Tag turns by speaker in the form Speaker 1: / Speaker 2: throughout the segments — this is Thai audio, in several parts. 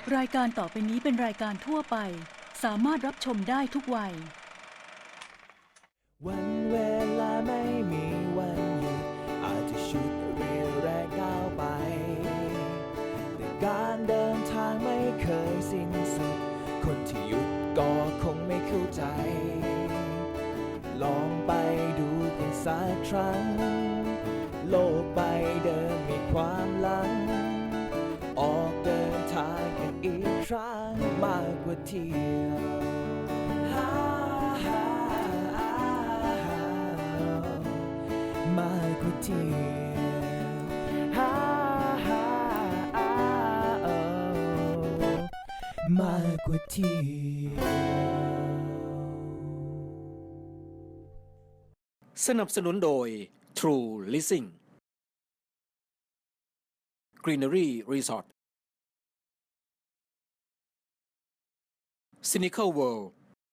Speaker 1: รายการต่อไปนี้เป็นรายการทั่วไปสามารถรับชมได้ทุกวัย
Speaker 2: วันเวลาไม่มีวันหยุดอาจจะชุดเรียวแรงก้าวไปแต่การเดินทางไม่เคยสิ้นสุดคนที่หยุดก็คงไม่เข้าใจลองไปดูกันสักครั้งโลกใบเดิมมีความหลังออกเดินทางกันอีกครั้งมากกว่าเที่ยวมากกว่าเที่ยวมากกว่าเที่ยว
Speaker 3: สนับสนุนโดย True Leasing Greenery Resort Cynical World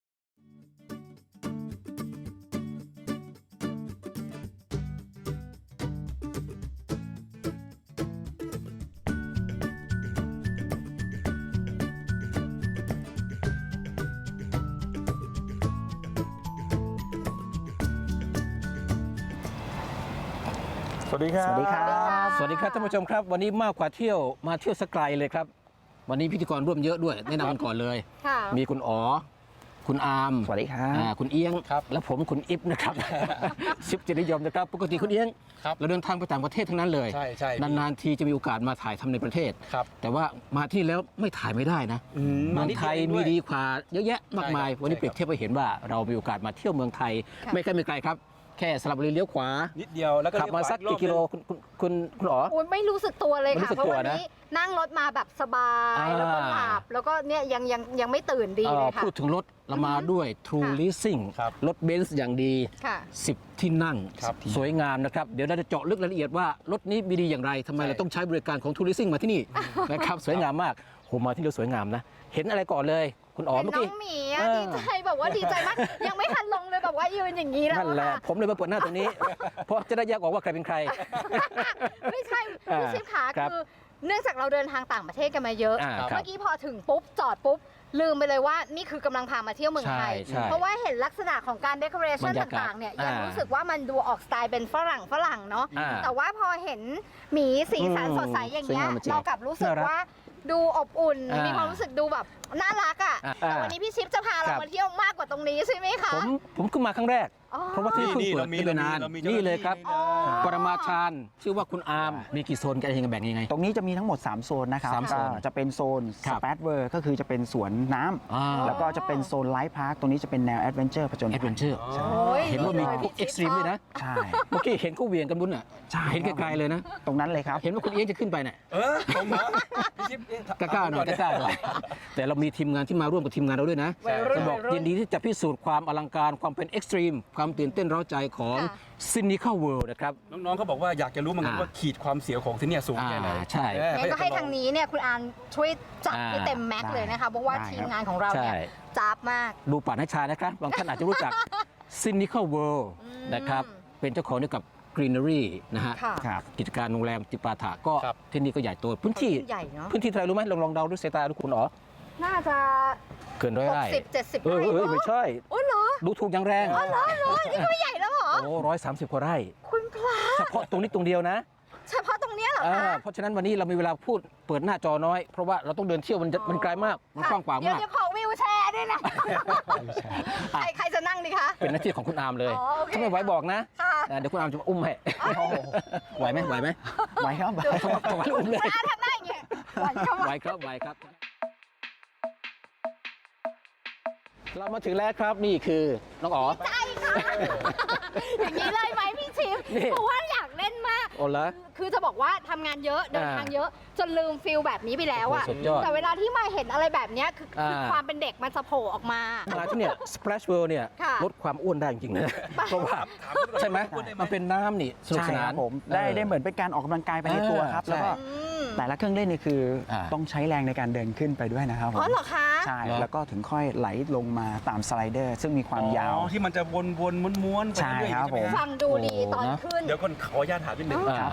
Speaker 4: สวัสดีครับ
Speaker 5: สวัสดีครับ
Speaker 3: สวัสดีครับท่านผู้ชมครับวันนี้มากกว่าเที่ยวมาเที่ยวสกไกลเลยครับวันนี้พิธีกรร่วมเยอะด้วยแนะนำกันก่อนเลย
Speaker 5: ค่ะ
Speaker 3: มีคุณอ๋อคุณอาร์ม
Speaker 5: สวัสดีครับ
Speaker 3: คุณเอียงและผมคุณอิฟนะครับ ชิปจิตนิยมนะครับปกติคุณเอียงเราเดินทางไปต่างประเทศทั้งนั้นเลย
Speaker 4: ใช่ใช่
Speaker 3: นานๆทีจะมีโอกาสมาถ่ายทำในประเทศ
Speaker 4: ครับ
Speaker 3: แต่ว่ามาที่แล้วไม่ถ่ายไม่ได้นะเมืองไทยมีดีกว่าเยอะแยะมากมาย วันนี้เปรียบเทียบให้เห็นว่าเรามีโอกาสมาเที่ยวเมืองไทย ไม่ไกลไม่ไกลครับแค่สระบุรีเลี้ยวขวา
Speaker 4: นิดเดียวแล้วก็
Speaker 3: ขับมาสักกี่กิโลคุณอ๋อ
Speaker 5: โอ้ยไม่รู้สึกตัวเลย
Speaker 3: ไม่รู้
Speaker 5: ค่ะ
Speaker 3: สึก
Speaker 5: เพราะ
Speaker 3: ตัว
Speaker 5: วัน
Speaker 3: นะ
Speaker 5: นี้นั่งรถมาแบบสบาย
Speaker 3: อ่า
Speaker 5: แล้วก็หลับแล้วก็เนี่ยยังไม่ตื่นดีเลยค่ะ
Speaker 3: พูดถึงรถเรามาด้วย True
Speaker 5: ค่ะ
Speaker 3: Leasing รถเบนซ์อย่างดี
Speaker 5: ค่ะ
Speaker 3: 10 ที่นั่ง
Speaker 4: ครับ
Speaker 3: สวยงามนะครับ เดี๋ยวเราจะเจาะลึกรายละเอียดว่ารถนี้มีดีอย่างไรทำไมเราต้องใช้บริการของ True Leasing มาที่นี่ นะครับสวยงามมากโหมาที่เราสวยงามนะ เห็นอะไรก่อนเลย คุณอ๋อ
Speaker 5: เป็น
Speaker 3: เมื่อ
Speaker 5: น้อ
Speaker 3: กี้
Speaker 5: งหมีอะ
Speaker 3: เออ
Speaker 5: ดีใจแบบว่าดีใจมาก ยังไม่ทันลงเลยแบบว่ายืนอย่างนี้แล้ว
Speaker 3: นั่นแหละ
Speaker 5: ค่ะ
Speaker 3: ผมเลยมาเปิดหน้าตรงนี้ เพราะจะได้แยกออกว่าใครเป็นใคร
Speaker 5: ไม่ใช่พี่ชิปขา
Speaker 3: ครับ
Speaker 5: คือเนื่องจากเราเดินทางต่างประเทศกันมาเยอะ
Speaker 3: ครับ
Speaker 5: เมื่อกี้พอถึงปุ๊บจอดปุ๊บลืมไปเลยว่านี่คือกำลังพามาเที่ยวเมืองไทย
Speaker 3: ใช่
Speaker 5: เพราะว่าเห็นลักษณะของการเดคอเรชัน
Speaker 3: บรรยากาศ
Speaker 5: ต่างๆเนี่ยยัง
Speaker 3: อ่ารู้
Speaker 5: รู้สึกว่ามันดูออกสไตล์เป็นฝรั่งเนาะ
Speaker 3: อ่า
Speaker 5: แต่ว่าพอเห็นหมีสีสันสดใสอย่างเงี้ย
Speaker 3: สวยงามจริง
Speaker 5: เรากลับรู้สึก
Speaker 3: น่ารัก
Speaker 5: ว่าดูอบอุ่น
Speaker 3: อ่ามี
Speaker 5: มีความรู้สึกดูแบบน่ารักอ่ะ
Speaker 3: อ่า
Speaker 5: แต่วันนี้พี่ชิปจะพา
Speaker 3: ค
Speaker 5: เรา
Speaker 3: รับ
Speaker 5: มาเที่ยวมากกว่าตรงนี้ใช่ไหมคะ
Speaker 3: ผมขึ้นมาครั้งแรก
Speaker 5: อ๋อ
Speaker 3: เพราะว่าที่เพิ่งเปิดไม่นานนี่เลยครับ ปรมาจารย์ชื่อว่าคุณอาร์มมีกี่โซนกันยังไงแบ่งยังไง
Speaker 6: ตรงนี้จะมีทั้งหมด 3 โซนนะครับ
Speaker 3: สามโซน
Speaker 6: ก็จะเป็นโซน
Speaker 3: ค
Speaker 6: ส
Speaker 3: รับ
Speaker 6: เปซเวอร์ก็คือจะเป็นสวนน้
Speaker 3: อ่า
Speaker 6: ำแล้วก็จะเป็นโซนไลฟ์พาร์คตรงนี้จะเป็นแนวแอดเวนเจอร์ผจญ
Speaker 3: แอดเวนเจอร์
Speaker 6: ใช่
Speaker 5: โอ้ย
Speaker 3: เห็นว่ามี
Speaker 5: ดี
Speaker 3: พ
Speaker 5: เล
Speaker 3: วย กเอ็กซ์ตรีมด้วยนะ
Speaker 6: ใช่
Speaker 3: เมื่อกี้เห็นเขาเหวี่ยงกันบุญอ่ะ
Speaker 6: ใช่
Speaker 3: เห็นไกลๆเลยนะ
Speaker 6: ตรงนั้นเลยครับ
Speaker 3: เห็นว่าคุณเอี้ยงจะขึ้นไปเนี่ย
Speaker 4: ผมเหรอพี่ชิป
Speaker 3: กล้าๆหน่อยกล้าๆหน่อยแต่เรามีทีมงานที่มาร่วมกับทีมงานเราด้วยนะ
Speaker 5: วัยรุ่น
Speaker 3: จะบอก
Speaker 5: วัยรุ่น
Speaker 3: ยินดีที่จะพิสูจน์ความอลังการความเป็นเอ็กซ์ตรีมความตื่นเต้นเร้าใจของ
Speaker 5: ค่ะ
Speaker 3: Cynical World นะครับ
Speaker 4: น้องๆเขาบอกว่าอยากจะรู้เหมือนกันว่าขีดความเสียวของที่เนี่ยสูงแค่ไหน
Speaker 3: ใช่
Speaker 5: งั้นก็ให้ทางนี้เนี่ยคุณอานช่วยจัดให้เต็มแม็กซ์เลยนะคะเพราะว่า
Speaker 6: ได้
Speaker 5: ทีมงานของเราเนี่ย
Speaker 3: ใช่
Speaker 5: จับมาก
Speaker 3: ดูป่านัชชานะครับบางท่านอาจจะรู้จัก Cynical World นะครับเป็นเจ้าของเกี่ยวกับ Greenery นะฮะ
Speaker 5: ค่ะ
Speaker 6: ครับ
Speaker 3: กิจการโรงแรมจิปาถะก็
Speaker 4: ครับ
Speaker 3: ที่นี่ก็ใหญ่โตพื้นที่
Speaker 5: ใหญ่เนาะ
Speaker 3: พื้นที่เท่าไหรรู้ไหมลองเดาด้วยสายตาดูคุณอ๋อ
Speaker 5: น่าจะ
Speaker 3: เกินร้อยไร่
Speaker 5: 60-70
Speaker 3: เออ
Speaker 5: ไร่
Speaker 3: เออไม่ใช่
Speaker 5: โอ้เหรอ
Speaker 3: ดูถูกอย่างแรง
Speaker 5: อ๋อเหรอนี่ก็ไม่ใหญ่แล้วเหรอ
Speaker 3: โอ้130 กว่าไร่
Speaker 5: คุณพระ
Speaker 3: เฉพาะตรงนี้ตรงเดียวนะ
Speaker 5: เฉพาะตรงเนี้ยเหรอคะ
Speaker 3: เพราะฉะนั้นวันนี้เรามีเวลาพูดเปิดหน้าจอน้อย เพราะว่าเราต้องเดินเที่ยวมันไกลมาก มันกว้างขวาง
Speaker 5: เดี๋ยว
Speaker 3: มาก
Speaker 5: เดี๋ยวขอวิวแชร์ด้วยนะ ใครจะนั่งดีคะ
Speaker 3: เป็นหน้าที่ของคุณอาร์มเลย
Speaker 5: อ๋อโอเค
Speaker 3: ถ้าไม่ไหวบอกนะ
Speaker 5: ค่ะ
Speaker 3: เดี๋ยวคุณอาร์มจะมาอุ้มให้ไหวไหม
Speaker 6: ไว้ครับ
Speaker 3: ไหวอุ้มเลย
Speaker 5: ถ้าทำได้อย่างเงี้ยหวานเข้ามา
Speaker 3: ไหวครับ เรามาถึงแล้วครับนี่คือน้องอ๋อ
Speaker 5: ใช่ค่ะ อย่างนี้เลยไหมพี่ชิป
Speaker 3: นี่
Speaker 5: เพราะว่าอยากเล่นมาก
Speaker 3: โอ้ละ
Speaker 5: คือจะบอกว่าทำงานเยอะเดินทางเยอะ จนลืมฟิลแบบนี้ไปแล้วอะ
Speaker 3: โอ้โหสุดยอด
Speaker 5: แต่เวลาที่มาเห็นอะไรแบบเนี้ยคืออ
Speaker 3: อ่า
Speaker 5: ความเป็นเด็กมันจะโผล่ออกมา
Speaker 3: มาที่เนี่ย Splash World เนี่ย
Speaker 5: ค่ะ
Speaker 3: ลดความอ้วนได้จริงๆนะเพราะว่าใช่ไหมมันเป็นน้ำนี่สนุก
Speaker 6: ใช่
Speaker 3: ส
Speaker 6: คน
Speaker 3: าน
Speaker 6: รับผมได้เหมือนเป็นการออกกำลังกายไปในตัวครับ
Speaker 3: ใช่
Speaker 6: แล้วก็
Speaker 5: อืม
Speaker 6: แต่ละเครื่องเล่นนี่คืออา ต้องใช้แรงในการเดินขึ้นไปด้วยนะครับผม
Speaker 5: อ๋อเหรอคะ
Speaker 6: ใช่
Speaker 3: เหรอ
Speaker 6: แล้วก็ถึงค่อยไหลลงมาตามสไลเดอร์ ซึ่งมีความยาว
Speaker 4: อ๋อที่มันจะวนๆม้วนๆไปเรื่อยๆ
Speaker 6: ใช่ครับ
Speaker 4: ใช่ไหม
Speaker 6: ผม
Speaker 4: ฮะ
Speaker 5: ฟังดูดีตอน
Speaker 3: โอ้นะ
Speaker 5: ขึ้น
Speaker 4: เดี๋ยวก่อนขออนุญาตถามนิดนึง
Speaker 6: ครับผม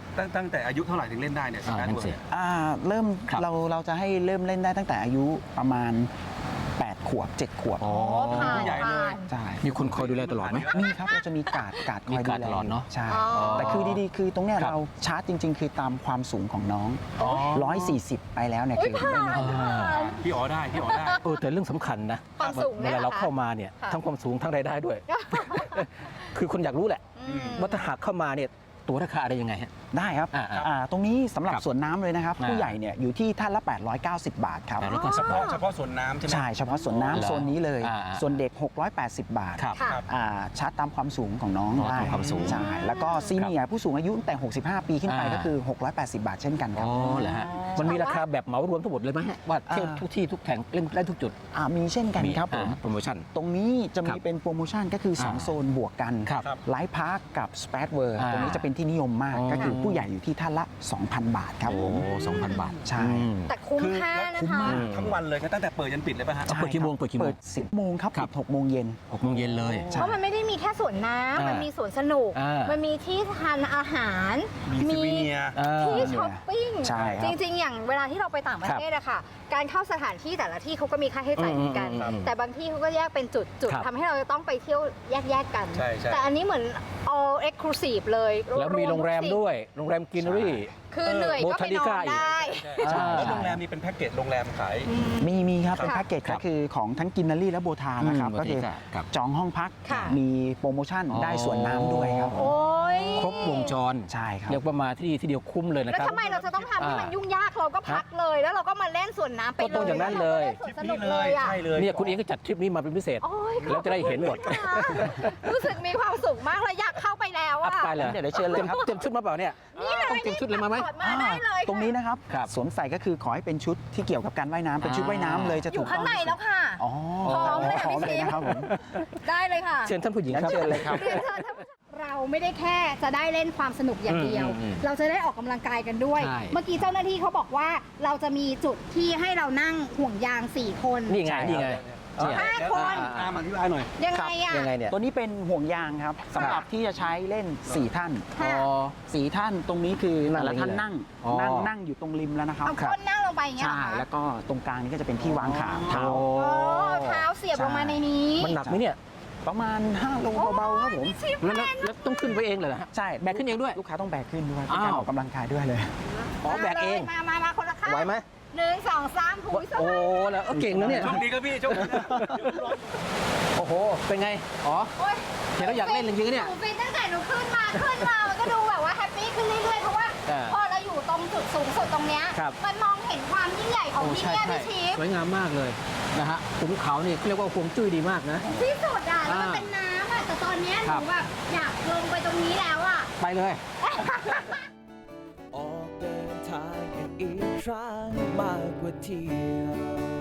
Speaker 4: ตั้งแต่อายุเท่าไหร่ถึงเล่นได้เนี่ยสแปดเวิร์ดเนี่ย
Speaker 6: เริ่ม
Speaker 3: ครับ
Speaker 6: เราจะให้เริ่มเล่นได้ตั้งแต่อายุประมาณ 8 ขวบ 7 ขวบ
Speaker 3: อ๋อ
Speaker 5: ผ่าน
Speaker 4: ผู้ใหญ่เลย
Speaker 6: ใช่
Speaker 3: มีคนคอยดูแลตลอดไหม
Speaker 6: มีครับเราจะมีการ์ดค
Speaker 3: มี
Speaker 6: อย
Speaker 3: การ์
Speaker 6: ดู
Speaker 3: ด
Speaker 6: แล
Speaker 3: ตลอดเนอะ
Speaker 6: ใช่
Speaker 5: อ๋อ
Speaker 6: แต่คือดีๆ คือตรงเนี้ย
Speaker 3: ครับ
Speaker 6: เราชาร์จจริง ๆ คือตามความสูงของน้อง
Speaker 4: อ๋อ
Speaker 6: 140 ไปแล้วเนี่ย
Speaker 5: อุ๊
Speaker 6: คื
Speaker 5: ย
Speaker 6: อ
Speaker 5: ผ่าน
Speaker 6: ไม่
Speaker 5: ผ่าน
Speaker 4: พี่อ๋อได้พี่อ๋อได้
Speaker 3: แต่เรื่องสำคัญนะ
Speaker 5: ความสูง
Speaker 3: เว
Speaker 5: เนี่ย
Speaker 3: ลา
Speaker 5: เหร
Speaker 3: เรา
Speaker 5: อคะ
Speaker 3: เข้ามาเนี่ย
Speaker 5: ค่ะ
Speaker 3: ทั้งความสูงทั้งรายได้ด้วย คือคนอยากรู้แหละ
Speaker 5: อืม
Speaker 3: ว่าถ้าหากเข้ามาเนี่ยตัวราคาอะไรยังไงฮะ
Speaker 6: ได้ครับ ตรงนี้สำหรับ
Speaker 3: ครับ
Speaker 6: สวนน้ำเลยนะครับ ผู้ใหญ่เนี่ยอยู่ที่ท่านละ 890 บาทครับ
Speaker 3: แล้วก็ส
Speaker 4: เฉ
Speaker 3: ปอร์ต
Speaker 4: พาะสวนน้ำใช่ไหม
Speaker 6: ใช่เฉพาะสวน
Speaker 3: เหรอ
Speaker 6: น้ำโซนนี้เลย
Speaker 3: อ่า
Speaker 6: ส่วนเด็ก 680 บาท
Speaker 3: ครับ
Speaker 5: ค่ะ
Speaker 6: ชาร์จตามความสูงของน้อง
Speaker 3: อ๋อ
Speaker 6: ได้
Speaker 3: ตามความสูง
Speaker 6: ใช่แล้วก็ซีเนียร์ผู้สูงอายุตั้งแต่ 65 ปีขึ้นไปก็คือ 680 บาทเช่นกันค
Speaker 3: อ๋
Speaker 6: รั
Speaker 3: อบ เหรอฮะ มันมีราคาแบบเหมารวมทั้งหมดเลยไหมฮะว่าเที่ยวทุกที่ทุกแห่งเล่นได้ทุกจุด
Speaker 6: มีเช่นกันครับผม
Speaker 3: โปรโมชั่น
Speaker 6: ตรงนี้จะ
Speaker 3: ครั
Speaker 6: มี
Speaker 3: บ
Speaker 6: เป็นโปรโมชั่นก็คือ
Speaker 3: อ่า
Speaker 6: 2 โซนบวกกัน
Speaker 3: ครับ
Speaker 6: ไลฟ์พาร์คกับสเปซเวิร์
Speaker 3: อ่า
Speaker 6: ตรงนี้จะเป็นที่นิยมมาก
Speaker 3: อ๋อ
Speaker 6: ก็คือผู้ใหญ่อยู่ที่ท่านละ 2,000 บาทครับผม
Speaker 3: 2,000 บาท
Speaker 6: ใช่
Speaker 3: อืม
Speaker 5: แต่คุ้ม
Speaker 4: คือ
Speaker 5: ค่า
Speaker 4: แล้ว
Speaker 5: นะ
Speaker 4: คุ้ม
Speaker 5: คะ
Speaker 4: มากทั้งวันเลยตั้งแต่เปิดยันปิดเลยป่ะฮะ
Speaker 3: เปิดกี่โมงเปิดกี่โมง
Speaker 6: เปิด 10 โมงครับ
Speaker 3: ครับ
Speaker 6: ปิด6 โมงเย็น
Speaker 3: 6 โมงเย็นเลย
Speaker 6: ใช่
Speaker 5: เพราะมันไม่ได้มีแค่สวนน้ำ
Speaker 3: อ่ามั
Speaker 5: มันมีสวนสนุก
Speaker 3: อ่ามั
Speaker 5: มันมีที่ทานอาหาร
Speaker 4: มีซูวิเนียร์
Speaker 5: ที่ช้อปปิ้ง
Speaker 6: ใช่ค
Speaker 5: จ
Speaker 6: รับ
Speaker 5: ริง ๆ อย่างเวลาที่เราไปต่างประเทศอะค่ะ การเข้าสถานที่แต่ละที่เขาก็มีค่าใช้จ่ายเหมือนกัน
Speaker 3: อืม
Speaker 5: แต่บางที่เขาก็แยกเป็นจุด
Speaker 3: ครับ
Speaker 5: ทำให้เราจะต้องไปเที่ยวแยกๆกัน
Speaker 4: ใช่ใช่
Speaker 5: แต่อันนี้เหมือน all exclusive เลย
Speaker 3: แล้วมีโรงแรมด้วย โรงแรมกินรี
Speaker 5: คือเหนื่อยก็ไปนอนได้
Speaker 4: ใช่
Speaker 3: อ่า
Speaker 4: แล้วโรงแรมมีเป็นแพ็กเกจโรงแรมขาย
Speaker 6: มีครับ
Speaker 4: ครับ
Speaker 6: เป็นแพ็กเกจ
Speaker 3: ครั
Speaker 6: ก็
Speaker 3: บ
Speaker 6: คือของทั้งกินนารีและโบทานะครับ
Speaker 3: อืม
Speaker 6: ก็คือ
Speaker 3: โบทาครับ
Speaker 6: จองห้องพัก
Speaker 5: ค่ะ
Speaker 6: มีโปรโมชั่น
Speaker 3: อ๋อ
Speaker 6: ได้ส่วนน้ำด้วยครับผม
Speaker 5: โอ้ย
Speaker 3: ครบวงจร
Speaker 6: ใช่ครับ
Speaker 3: เรียกว่ามาที่เดียวคุ้มเลยนะ
Speaker 5: แล้ว
Speaker 3: ครับ
Speaker 5: ทำไมเราจะต้องทำให้มัน
Speaker 3: อ่า
Speaker 5: ยุ่งยากเราก็พักเลย แล้วเราก็มาเล่นสวนน้ำไป
Speaker 3: ก็ต้องอย่างนั้นเลย
Speaker 5: แวราก็ได้สวนสนุกเลยอะ
Speaker 4: ใช่เลย
Speaker 3: เนี่ยคุณเองก็จัดทริปนี้มาเป็นพิเศษ
Speaker 5: โอ้ย
Speaker 3: แล้วจะได้เห็นหมด
Speaker 5: ขอบคุณค่ะรู้สึกมีความสุขมากเลยอยากเข้าไปแล้ว
Speaker 3: อั
Speaker 5: อะ
Speaker 3: พไปเลย
Speaker 6: เดี๋ยวเชิญเลยครับ
Speaker 3: เต็มชุดมาเปล่าเนี่ย
Speaker 5: นี่เลย
Speaker 3: ต้องเตรียมชุดอะไรมาไหม
Speaker 5: ถอดมาได้เลย
Speaker 6: ตรงนี้นะครับ
Speaker 3: ครับ
Speaker 6: สวมใส่ก็คือขอให้เป็นชุดที่เกี่ยวกับการว่ายน้ำเป็นชุดว่ายน้ำเลยจะ
Speaker 5: อ
Speaker 6: ถู
Speaker 5: ยู่
Speaker 6: ก
Speaker 5: ข้างในแล้วค่ะ
Speaker 6: อ๋อ
Speaker 5: พร้อมเลยค่ะ
Speaker 6: พร้อม
Speaker 5: พี่
Speaker 6: เลย
Speaker 5: จิ๊บ
Speaker 6: นะครับผม
Speaker 5: ได้เลยค่ะ
Speaker 3: เชิญท่านผู้หญิง
Speaker 6: งั้น
Speaker 3: ครับ
Speaker 6: เชิญเลยครับ
Speaker 5: เรียนเชิญท่านผู้ชมเราไม่ได้แค่จะได้เล่นความสนุกอย่างเดียว
Speaker 3: อืม
Speaker 5: เราจะได้ออกกำลังกายกันด้วย
Speaker 3: ใช่
Speaker 5: เมื่อกี้เจ้าหน้าที่เขาบอกว่าเราจะมีจุดที่ให้เรานั่งห่วงยาง 4 คน
Speaker 3: นี่ไง นี่ไง
Speaker 5: เนี่ย
Speaker 3: เนี่ย
Speaker 5: 5 คน
Speaker 4: ตามอธิบายหน่อย
Speaker 5: ยังไงอะ
Speaker 3: ยังไงเนี่ย
Speaker 6: ตัวนี้เป็นห่วงยางครับสำหรับที่จะใช้เล่น 4 ท่าน
Speaker 5: ค่ะ
Speaker 3: อ๋อ
Speaker 6: 4 ท่านตรงนี้คือ
Speaker 3: นั่
Speaker 6: แต่
Speaker 3: ง
Speaker 6: ละท่าน
Speaker 3: อย่างนี้
Speaker 6: นั่ง
Speaker 3: เลยอ๋อ
Speaker 6: นั่งอยู่ตรงริมแล้วนะครับ
Speaker 5: เอาก้นนั่งลงไปอย่างเงี้ย
Speaker 6: ใช่
Speaker 5: เหรอคะ
Speaker 6: แล้วก็ตรงกลางนี้ก็จะเป็นที่วางขาเท้า
Speaker 3: โอ้
Speaker 5: โอ้เท้าเสียบลงมาในนี้
Speaker 3: มันหนักไหมเนี่ย
Speaker 6: ประมาณ 5 โลเบาๆครับผม
Speaker 3: แล้วต้องขึ้นไปเองเลยนะฮะ
Speaker 6: ใช่
Speaker 3: แบกขึ้นเองด้วย
Speaker 6: ลูกค้าต้องแบกขึ้นด้วยเป็น
Speaker 3: อ้าว
Speaker 6: การออกกำลังกายด้วยเลย
Speaker 3: อ๋อแบกเอง
Speaker 5: มาคนละข้าง
Speaker 3: ไหวไหม
Speaker 5: 1 2 3หูยส
Speaker 3: โอ้
Speaker 5: บาย
Speaker 3: แล้วเก่งนะเนี่ย
Speaker 4: โชคดีครับพี่โชคดีนะ
Speaker 3: โอ้โห เป็นไง อ๋อ
Speaker 5: โอ๊ย
Speaker 3: เห็นแล้วอยากเล่นจริงๆเนี่ย
Speaker 5: หนูเป็นตั้งแต่หนูขึ้นมามันก็ดูแบบว่าแฮปปี้ขึ้นเรื่อยๆ เพราะว่า
Speaker 3: อ่า
Speaker 5: พอเราอยู่ตรงจุดสูงสุดตรงเนี้ย
Speaker 3: ครับ
Speaker 5: มันมองเห็นความยิ่งใหญ่ของ
Speaker 3: โอ้
Speaker 5: ที่
Speaker 3: ใช่
Speaker 5: เนี่ย
Speaker 3: ใช่
Speaker 5: พี่ชิป
Speaker 3: สวยงามมากเลยนะฮะขุนเขานี่เรียกว่าฮวงจุ้ยดีมากนะ
Speaker 5: ที่สุดอ่ะ แล้วมัน
Speaker 3: อ่า
Speaker 5: เป็นน้ำอ่ะ แต่ตอนเนี้ยห
Speaker 3: ครั
Speaker 5: นู
Speaker 3: บ
Speaker 5: แบบอยากลงไปตรงนี้แล้วอ่ะ
Speaker 3: ไปเลย
Speaker 2: ออกเดินทางกันอีกครั้งมากกว่าเที่ยว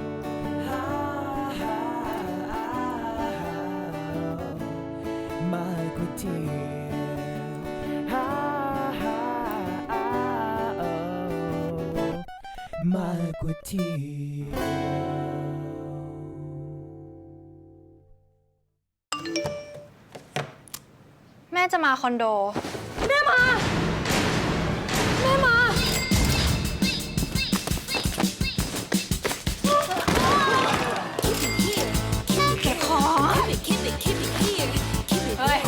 Speaker 2: มากกว่าเที่ยวมากกว่าเที่ยว
Speaker 7: แม่จะมาคอนโด
Speaker 8: เฮ้ย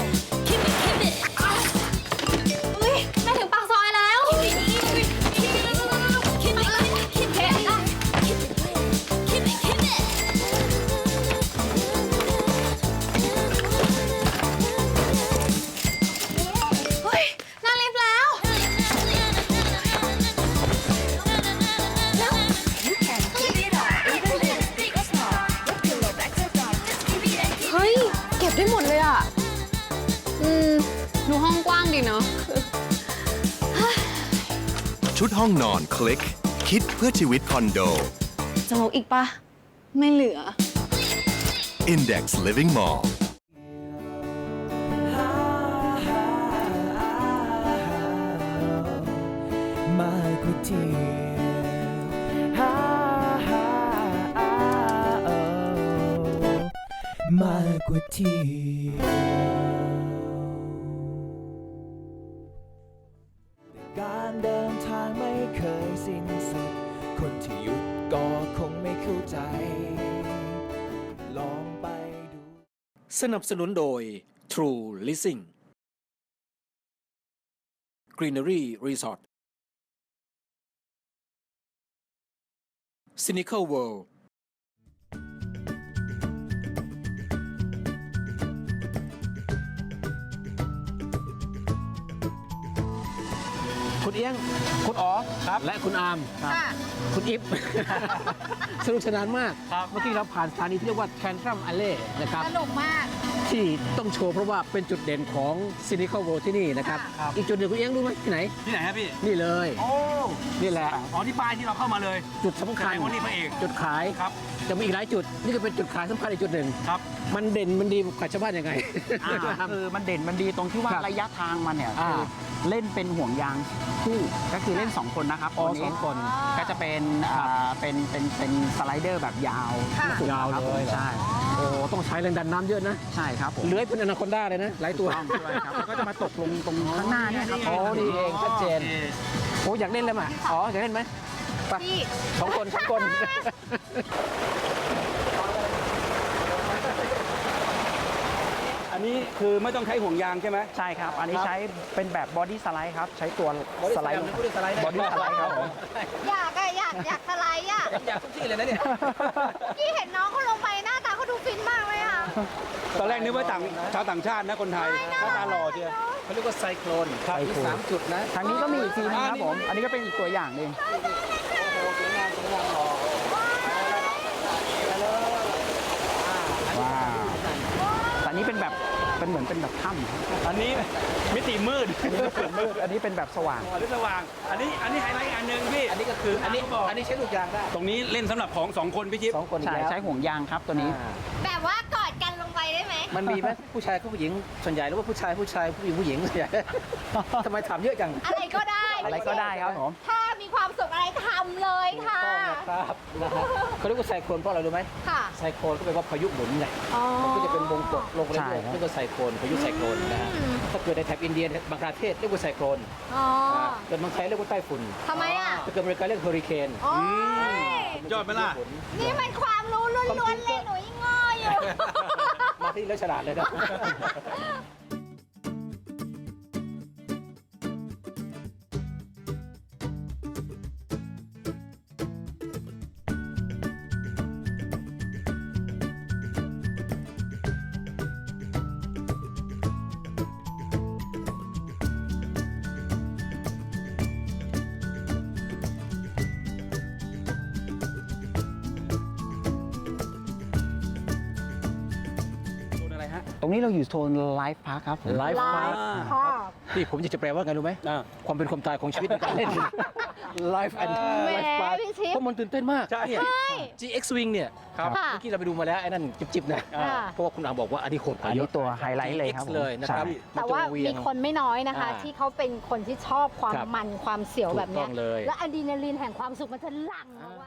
Speaker 7: อุ้ยแม่ถึงปากซอยแล้ว เฮ้ยนั่งลิฟต์แล้ว เฮ้ย เก็บได้หมดเลยอ่ะ ดูห้องกว้างดีเนาะ
Speaker 9: ชุดห้องนอนคลิก คิดเพื่อชีวิตคอนโด
Speaker 7: จะลบอีกปะ ไม่เหลือ
Speaker 9: Index Living Mall
Speaker 2: มากกว่าเที่ยวมากกว่าเที่ยวการ
Speaker 3: สนับสนุนโดย True Leasing Greenery Resort Cynical World คุณเอี้ยง คุณอ๋อครับ และคุณอาร์ม
Speaker 5: ค่ะ
Speaker 3: คุณอิฟ สนุกสนานมาก
Speaker 4: ครับ
Speaker 3: เมื่อกี้เราผ่านสถานีที่เรียกว่าแคนทรัมอ l เล่นะครับ
Speaker 5: สนุกมาก
Speaker 3: ที่ต้องโชว์เพราะว่าเป็นจุดเด่นของ Cynical World ที่นี่นะครับ
Speaker 4: ครับ
Speaker 3: อีกจุดหนึ่งคุณเอี้ยงรู้ไหมที่ไหน
Speaker 4: ที่ไหนครับพี่
Speaker 3: นี่เลย
Speaker 4: โอ้
Speaker 3: นี่แหละ
Speaker 4: อ๋อที่ป้ายที่เราเข้ามาเลย
Speaker 3: จุดสำคัญ
Speaker 4: แสดงว่านี่พระเอก
Speaker 3: จุดขาย
Speaker 4: ครับ
Speaker 3: จะมีอีกหลายจุด นี่ก็เป็นจุดขายสำคัญอีกจุดหนึ่ง
Speaker 4: ครับ
Speaker 3: มันเด่นมันดีกว่าชาวบ้านยังไง
Speaker 6: คือมันเด่นมันดีตรงที่ว่า
Speaker 3: ครับ
Speaker 6: ระยะทางมันเนี่ย
Speaker 3: อ่า
Speaker 6: คือเล่นเป็นห่วงยางคู่ก็คือเล่น 2 คนนะครับ
Speaker 3: อ๋อ
Speaker 6: ตัวนี้
Speaker 3: สองคน
Speaker 6: ก็จะเป็นเป็นสไลเดอร์แบบยาว
Speaker 5: ค่ะ
Speaker 3: ยาว
Speaker 6: ครับ
Speaker 3: เลย
Speaker 6: ใช่
Speaker 3: โอ้ต้องใช้แรงดันน้ำเยอะนะ
Speaker 6: ใช่ครับผม
Speaker 3: เลื้อยเป็นอนาคอนด้าเลยนะ หลายตัว
Speaker 6: ต้องด้วยครับแล้วก็จะมาตกลงตรงข้างหน้าเนี่ยครับ
Speaker 3: โอ้นี่เองชัดเจน
Speaker 4: โอค
Speaker 3: โอ้อยากเล่นแล้วมั้ยอ๋ออยากเล่นไหมไป
Speaker 5: พี่
Speaker 3: สองคนสองคน
Speaker 4: อันนี้คือไม่ต้องใช้ห่วงยางใช่ไหม
Speaker 6: ใช่ครับ อันนี้ใช้เป็นแบบบอดี้สไลด์ครับ ใช้ตัวสไลด์
Speaker 3: บอดี้สไลด์
Speaker 6: บอดี้สไลด์ครับผม
Speaker 5: อยากสไลด์อ่ะ
Speaker 3: อยากทุกที่เลยนะเนี่ย
Speaker 5: พี่เห็นน้องเขาลงไปหน้าตาเขาดูฟินมากเลยอ่ะ
Speaker 4: ตอนแรกนึกว่าชาวต่างชาตินะคนไทยหน้าตาหล่อเชียว
Speaker 3: เขาเรียกว่าไซโคลนมี3 จุดนะ
Speaker 6: ทางนี้ก็มีอีกทีนึงครับผม อันนี้ก็เป็นอีกตัวอย่างหนึ่งว้าวแต่อันนี้เป็นแบบเป็นเหมือนเป็นแบบถ้ำ
Speaker 4: อันนี้มิติมืด
Speaker 6: อันนี้ไม่เป็นมืดอันนี้เป็นแบบสว่าง
Speaker 4: อ๋อหรือสว่าง อันนี้ไฮไลท์อีกอันหนึ่งพี่
Speaker 3: อันนี้ก็คืออันนี้ใช้ลูกยางได้
Speaker 4: ตรงนี้เล่นสำหรับของสองคนพี่จิ๊บ
Speaker 3: 2 คนอีก
Speaker 6: ใช่
Speaker 3: แล้ว
Speaker 6: ใช้ห่วงยางครับตัวนี้
Speaker 5: แบบว่ากอดกันลงไปได้ไหม
Speaker 3: มันมีไหมผู้ชายกับผู้หญิงส่วนใหญ่หรือว่าผู้ชายผู้หญิงผู้หญิงส่วนใหญ่ ทำไมถามเยอะจัง
Speaker 5: อะไรก็ได้
Speaker 6: อะไรก็ได้ครับผม
Speaker 5: ถ้ามีความสุขอะไรทำเลยค่ะ
Speaker 3: ต้องนะครับนะฮะเขาเรียกว่าไซโคลนเพราะอะไรรู้ไหม
Speaker 5: ค่ะ
Speaker 3: ไซโคลนก็แปลว่าพายุหมุนไง
Speaker 5: อ๋อ
Speaker 3: มันก็จะเป็นวงกดลงเรื่
Speaker 6: ใช่
Speaker 3: อย
Speaker 6: ครับ
Speaker 3: ๆเรียกว่าไซโคลนพายุไซโคลนนะฮะ
Speaker 5: อืม
Speaker 3: ถ้าเกิดในแถบอินเดียบังคลาเทศเรียกว่าไซโคลน
Speaker 5: อ๋อ
Speaker 3: เกิดเมืองไทยเรียกว่าไต้ฝุ่น
Speaker 5: ทำไมอ่ะ
Speaker 3: ถ้าเกิดอเมริกาเรียกเฮอริเคน
Speaker 5: โอ้ย
Speaker 4: ยอดไหมล่ะ
Speaker 5: นี่มันความรู้ล้วนๆเลยหนูยังง่ออยู่
Speaker 3: มาที่แล้วฉลาดเลยนะ
Speaker 4: โซนอะไรฮะ
Speaker 6: ตรงนี้เราอยู่โซนไลฟ์พาร์คครับผม
Speaker 3: ไลฟ์พาร์ค
Speaker 5: ค่ะ
Speaker 3: นี่ผมจะแปลว่าไงรู้ไหม
Speaker 4: อ่า
Speaker 3: ความเป็นความตายของชีวิตในการเล่น Life and
Speaker 5: แหม
Speaker 3: Life Park
Speaker 5: พี่ชิป
Speaker 3: เพราะมันตื่นเต้นมาก
Speaker 4: ใช่
Speaker 3: เนี่ย GX Wing เนี่ย
Speaker 4: ครับ
Speaker 5: ค่ะ
Speaker 3: เมื่อกี้เราไปดูมาแล้วไอ้นั่นจิบๆนะ
Speaker 5: ค่ะ
Speaker 3: เพราะว่าคุณอาบอกว่าอันนี้โหดก
Speaker 6: อั
Speaker 3: ว่าน เย
Speaker 6: นี้
Speaker 3: อะ
Speaker 6: ตัวไฮไลท์เลยครับ
Speaker 3: GX
Speaker 6: ผม
Speaker 3: เลยนะครับ
Speaker 6: ใช่
Speaker 5: แต่ว่ามีคนไม่น้อยนะคะ
Speaker 3: อ่า
Speaker 5: ที่เขาเป็นคนที่ชอบความ
Speaker 3: ครับ
Speaker 5: มันความเสียวแบบ
Speaker 3: ถูก
Speaker 5: เนี้
Speaker 3: ต้
Speaker 5: ย
Speaker 3: องเลย
Speaker 5: และอะดรีนาลีนแห่งความสุขมันจะหลั่งออกมา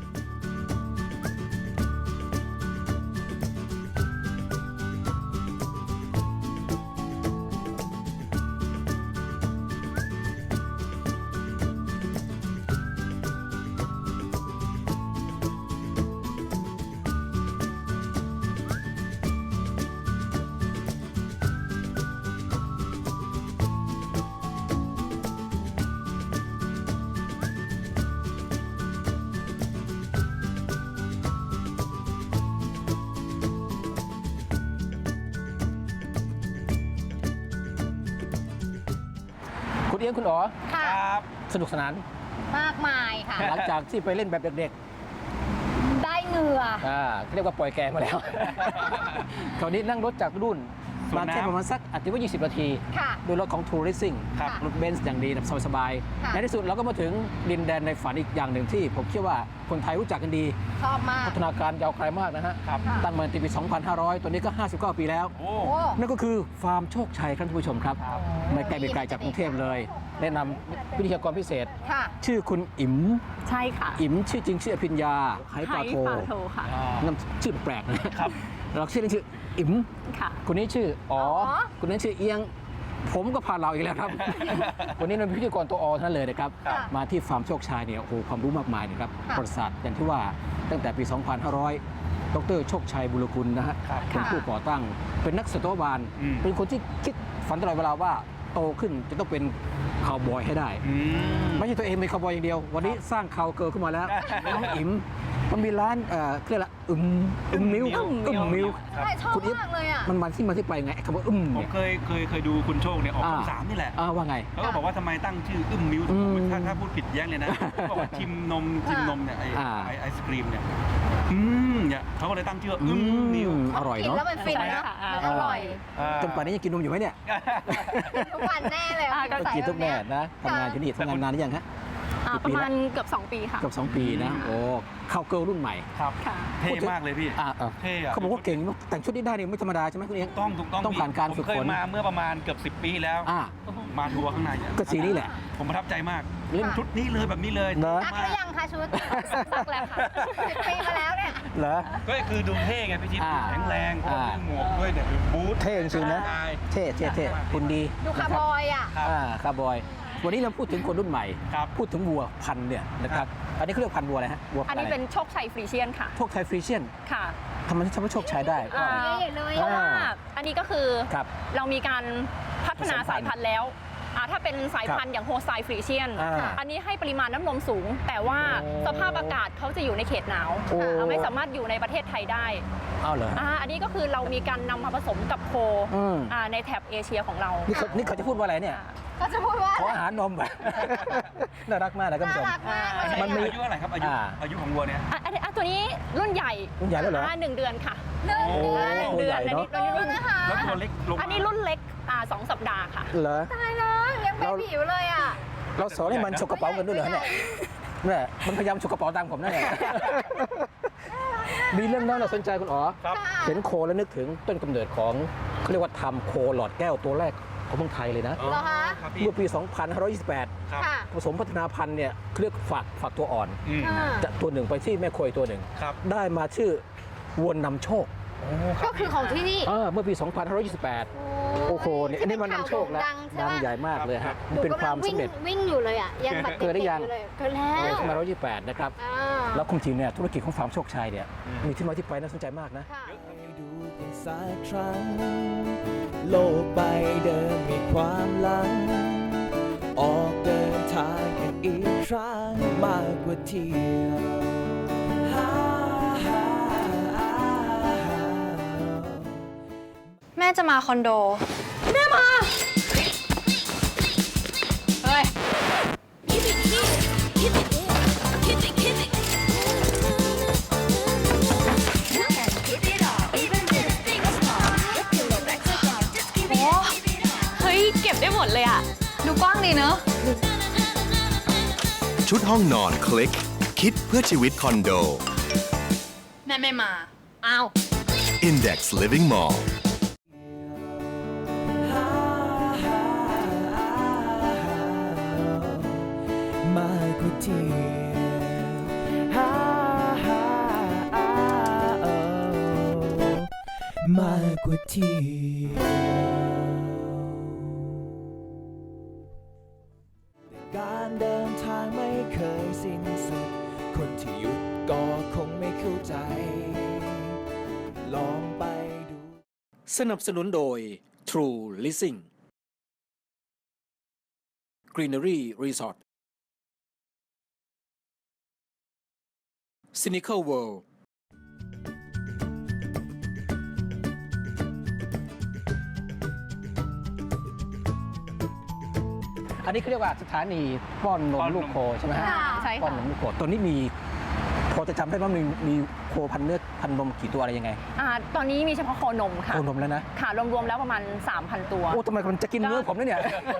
Speaker 3: คุณเอี้ยงคุณอ๋อ
Speaker 5: ค่ะ
Speaker 4: ครับ
Speaker 3: สนุกสนาน
Speaker 5: มากมายค่ะ
Speaker 3: หลังจากที่ไปเล่นแบบเด็ก
Speaker 5: ได้เหงื่อ
Speaker 3: เขาเรียกว่าปล่อยแกงมาแล้ว คราวนี้นั่งรถจากรุ่น
Speaker 4: สวน
Speaker 3: มาแค่
Speaker 4: น้ำ
Speaker 3: ประมาณสักอาจจะว่า 20 นาที
Speaker 5: ค่ะ
Speaker 3: โดยรถของ True Racing
Speaker 5: ครับ
Speaker 3: รถเบนซ์อย่างดีแบบสบาย
Speaker 5: ค่ะ
Speaker 3: ๆในที่สุดเราก็มาถึงดินแดนในฝันอีกอย่างหนึ่งที่ผมเชื่อว่าคนไทยรู้จักกันดี
Speaker 5: ชอบมาก
Speaker 3: พัฒนาการยาวไกลมากนะฮะ
Speaker 4: ครับ
Speaker 3: ตั้งมาในปี 2500 ตัวนี้ก็ 59 ปีแล้ว
Speaker 4: โอ้
Speaker 5: โอ้
Speaker 3: นั่นก็คือฟาร์มโชคชัยครับท่านผู้ชมครับ ไม่ไกลไม่ไกลจากกรุงเทพเลย แนะนำวิทยากรพิเศษ
Speaker 5: ค่ะ
Speaker 3: ชื่อคุณอิ๋ม
Speaker 7: ใช่ค่ะ
Speaker 3: อิ๋มชื่อจริงชื่ออภิญญาไหปลาโท
Speaker 7: ค่ะ
Speaker 3: น้ำชื่อแปลกนะครับ เราชื่อเล่นชื่ออิ๋ม
Speaker 7: ค่ะ
Speaker 3: คนนี้ชื่ออ๋อ
Speaker 5: อ๋อ
Speaker 3: คนนั้นชื่อเอียง ผมก็พาเราอีกแล้วครับ วันนี้เราเป็นพิธีกรตัวออทั้งนั้นเลยนะครับ
Speaker 5: ค่ะ
Speaker 3: มาที่ฟาร์มโชคชัยเนี่ยโอ้โหความรู้มากมายนะครับ
Speaker 5: ค่ะ
Speaker 3: ประวัติศาสตร์อย่างที่ว่าตั้งแต่ปี 2500 ดรโชคชัยบุรกุลนะฮะ
Speaker 4: ครับ
Speaker 3: เป็นผู้ก่อตั้งเป็นนักสัตวบาล
Speaker 4: อืม
Speaker 3: เป็นคนที่คิดฝันตลอดเวลาว่าโตขึ้นจะต้องเป็นคาวบอยให้ได้ ไม่ใช่ตัวเองเป็นคาวบอยอย่างเดียว วันนี้สร้างคาวเกิร์ลขึ้นมาแล้วน้องอิ๋มมันมีร้านเรียกละมิว
Speaker 4: มิว
Speaker 5: ใช่ชอบ
Speaker 3: คุณอิ๋ม
Speaker 5: มากเลยอ่ะ
Speaker 3: มันที่ไปไงไอ้คำว่า
Speaker 4: ผม
Speaker 3: เนี่ย
Speaker 4: เคยดูคุณโชคเนี่ยออกช่อง
Speaker 3: อ่า
Speaker 4: 3นี่แหละ
Speaker 3: ว่าไง
Speaker 4: เขาก็บอกว่าทำไมตั้งชื่อมิว
Speaker 3: อืม
Speaker 4: ถ้าพูดผิดแย้งเลยนะเขาบอกว่าชิมนมเนี่ยไอศกรีมเนี่ยเนี่ยเขาก็เลยตั้งชื่อมิว
Speaker 3: อร่อย
Speaker 5: กิน
Speaker 3: เนาะ
Speaker 5: แล้วมันฟินนะมันอร่อย
Speaker 3: จนป่านนี้ยังกินนมอยู่ไหมเนี่ย
Speaker 5: ทุกวันแน่เลยอะ
Speaker 7: ก็
Speaker 3: ก็กินทุกแม่นะทำงานที่นี่ทำงานนานหรือยังฮะ
Speaker 7: ประมาณเกือบ 2 ปีค่ะ
Speaker 3: เกือบ2 ปีนะโอ้คาวเกิร์ลรุ่นใหม่
Speaker 4: ครับ
Speaker 7: ค่ะ
Speaker 4: เท่มากเลยพี่ เท่อะ
Speaker 3: เขาบอกว่าเก่งแต่งชุดนี้ได้เนี่ยไม่ธรรมดาใช่ไหมคุณเอง
Speaker 4: ถูกต้อง
Speaker 3: ต้องผ่านการฝึก
Speaker 4: ผมเค
Speaker 3: ฝ
Speaker 4: ย
Speaker 3: น
Speaker 4: มาเมื่อประมาณเกือบ10 ปีแล้ว มาทัวร์ข้างในเนี่ย
Speaker 3: ก็สีนี้แหละ
Speaker 4: ผมประทับใจมาก
Speaker 3: เล่น
Speaker 4: ชุดนี้เลยแบบนี้เลย
Speaker 3: เหรอ
Speaker 5: ซักหรือยังคะชุด
Speaker 7: ซักแล้วค่ะ
Speaker 5: 10 ปีมาแล้วเนี่ย
Speaker 3: เหรอ
Speaker 4: ก็คือดูเท่ไงพี่ชิด
Speaker 3: อ่า
Speaker 4: แข็งแรงเพราะว่ามีหมวกด้วยเนี่ยบูท
Speaker 3: เท่จริงๆนะ
Speaker 4: ใช่
Speaker 3: เท่คุณดี
Speaker 5: ดูคาร์บอยอ่ะ
Speaker 4: ครับ
Speaker 3: คาร์บอย วันนี้เราพูดถึงคนรุ่นใหม่
Speaker 4: ครับ
Speaker 3: พูดถึงวัวพันธุ์เนี่ยนะครับ อันนี้เขาเรียกพันธุ์วัวอะไรฮะ วัว
Speaker 7: อันนี้เป็นโชคชัยฟรีเชียนค่ะ
Speaker 3: พวกไทยฟรีเชียน
Speaker 7: ค่ะ
Speaker 3: ทำไมถึงทำให้โชคชัยได้
Speaker 7: อ่า
Speaker 5: ใหญ่เลย
Speaker 7: เพราะว่าอันนี้ก็คือ
Speaker 3: ครับ
Speaker 7: เรามีการพัฒนา
Speaker 3: ผสมพันธุ์
Speaker 7: สายพันธุ์แล้วถ้าเป็นสายพันธุ์อย่างโฮสไตฟรีเชียน อันนี้ให้ปริมาณน้ำนมสูง แต่ว่า
Speaker 3: โอ้
Speaker 7: สภาพอากาศเขาจะอยู่ในเขตหนาว
Speaker 3: โอ้
Speaker 7: ไม่สามารถอยู่ในประเทศไทยได้
Speaker 3: เอาเหรอ
Speaker 7: อันนี้ก็คือเรามีการนำมาผสมกับโค
Speaker 3: อืม
Speaker 7: ในแถบเอเชียของเรา
Speaker 3: นี่เขาจะพูดว่าอะไรเนี่ย
Speaker 5: ก็จะพูดว่า
Speaker 3: ขออาหารนม น่ารักมากนะท่าน
Speaker 5: น่า
Speaker 3: ผู้ชม
Speaker 5: รักมากเลย
Speaker 3: มันมี
Speaker 4: อายุเท่าไหร่ครับอายุของวัวเนี่ย
Speaker 7: ตัวนี้รุ่นใหญ่
Speaker 3: รุ่นใหญ่แล้วเหรอ
Speaker 7: 1 เดือนค่ะ
Speaker 5: หนึ่ง
Speaker 3: โอ้
Speaker 5: เดือน
Speaker 3: ใหญ่เนอะ
Speaker 7: อันนี้รุ่น
Speaker 5: นะคะ
Speaker 4: แล้วตัวเล็กลงมา
Speaker 7: อันนี้รุ่นเล็ก2 สัปดาห์ค่ะ
Speaker 3: เหรอ
Speaker 5: ตายแล้วยังเป็นผิวเลยอ่ะ
Speaker 3: เราสอนให้มันฉกกระเป๋าเงินด้วยเหรอเนี่ยเนี่ยมันพยายามฉกกระเป๋าตังค์ผมนั่นแหละ มีเรื่องน่าสนใจคุณอ๋อ
Speaker 4: ครับ
Speaker 3: เห็นโคแล้วนึกถึงต้นกำเนิดของเขาเรียกว่าทำโคหลอดแก้วตัวแรกของเมืองไทยเลยนะ
Speaker 5: เหรอคะ
Speaker 4: ครับพี่
Speaker 3: เมื่อปี 2528
Speaker 4: ครับ
Speaker 5: ค่ะ
Speaker 3: ผสมพัฒนาพันธุ์เนี่ยเรียกฝากตัวอ่อน
Speaker 4: อืม
Speaker 5: ค่ะ
Speaker 3: จากตัวหนึ่งไปที่แม่โคยตัวหนึ่ง
Speaker 4: ครับ
Speaker 3: ได้มาชื่อวัวนำโชค
Speaker 5: ก็คือของที่นี่
Speaker 3: เมื่อปี 2528 โอ้โหเนี่ยอันนี้มันนำโชคแล้ว
Speaker 5: ดังใช่
Speaker 3: ดัง
Speaker 5: ปะ
Speaker 3: ใหญ่มากเลยฮะ
Speaker 5: หนู
Speaker 3: เป็นความ
Speaker 5: กำลัง
Speaker 3: สำเร็จ
Speaker 5: วิ่งอยู่เลยอ่ะ ยังแบบ
Speaker 3: เกิดได้ยัง
Speaker 5: ด็กๆอเลยเกิดแล้ว
Speaker 3: ใน2528 นะครับ แล้วคุณจริงเนี่ยธุรกิจของฟาร์มโชคชัยเนี่ยมีที่มาที่ไปน่าสนใจมากนะ
Speaker 5: ค่ะ
Speaker 2: ให้ดูกันสักครั้ง โลกใบเดิมมีความหลัง ออกเดินทางกันอีกครั้งมากกว่าเที่ยวฮ่าฮ่าฮ่าฮ่า
Speaker 7: แม่จะมาคอนโด แม่มา เฮ้ย โอ้เฮ้ย เก็บได้หมดเลยอ่ะ ดูกว้างดีเนอะ
Speaker 9: ชุดห้องนอนคลิก คิดเพื่อชีวิตคอนโด
Speaker 7: แม่ไม่มา อ้าว
Speaker 9: Index Living Mall
Speaker 2: มากกว่าเที่ยวฮ่าฮ่าฮ่าโอ้มากกว่าเที่ยวการเดินทางไม่เคยสิ้นสุด คนที่หยุดก็คงไม่เข้าใจ ลองไปดู
Speaker 3: สนับสนุนโดย True Leasing Greenery Resort Cynical World อันนี้เขาเรียกว่าสถานีป้อนนมลูกโคใช่ไหมฮะ
Speaker 7: ใช่
Speaker 3: ป้อน
Speaker 7: ค่ะ
Speaker 3: นมลูกโคตอนนี้มีพอจะจำได้ว่ามีโคพันเนื้อพันนมกี่ตัวอะไรยังไง
Speaker 7: ตอนนี้มีเฉพาะโคนมค่ะ
Speaker 3: โคนมแล้วนะ
Speaker 7: ค่ะ รวมๆแล้วประมาณ 3,000 ตัว
Speaker 3: โอ้ทำไมมันจะกินเนื้อผมนะเนี่ย